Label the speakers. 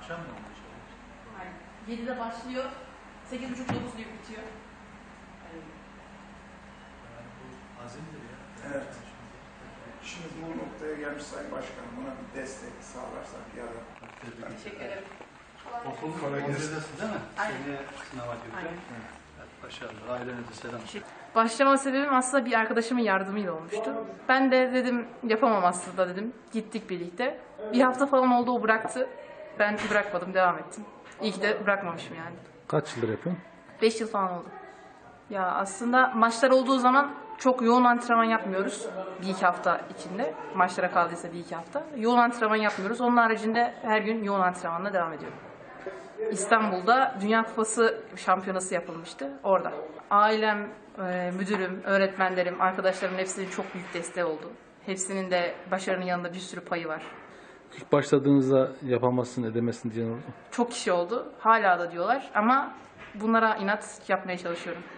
Speaker 1: Akşam mı oluyor?
Speaker 2: Aynen. 7'de başlıyor, 8.30-9 gibi bitiyor.
Speaker 1: Yani bu azimdir ya.
Speaker 3: Evet. Şimdi bu noktaya gelmiş Sayın Başkanım, buna bir destek sağlarsak ya da...
Speaker 2: Teşekkür ederim.
Speaker 1: Okulun
Speaker 3: Kolay gelsin.
Speaker 1: kongresisin değil mi?
Speaker 2: Aynen.
Speaker 1: Seneye sınava girecek.
Speaker 2: Aynen.
Speaker 1: Evet, başarılı. Ailenize selam.
Speaker 2: Başlama sebebim aslında bir arkadaşımın yardımıyla olmuştu. Ben de dedim yapamam aslında dedim. Gittik birlikte. Bir hafta falan oldu, o bıraktı. Ben bırakmadım, devam ettim. İyi ki de bırakmamışım yani.
Speaker 4: Kaç yıldır yapıyorsun?
Speaker 2: 5 yıl falan oldu. Ya aslında maçlar olduğu zaman çok yoğun antrenman yapmıyoruz. Bir iki hafta içinde. Maçlara kaldıysa bir iki hafta. Yoğun antrenman yapmıyoruz. Onun haricinde her gün yoğun antrenmanla devam ediyorum. İstanbul'da Dünya Kupası şampiyonası yapılmıştı. Orada. Ailem, müdürüm, öğretmenlerim, arkadaşlarımın hepsinin çok büyük desteği oldu. Hepsinin de başarının yanında bir sürü payı var.
Speaker 4: İlk başladığınızda yapamazsın, edemezsin diyen oldu mu?
Speaker 2: Çok kişi oldu. Hala da diyorlar ama bunlara inat yapmaya çalışıyorum.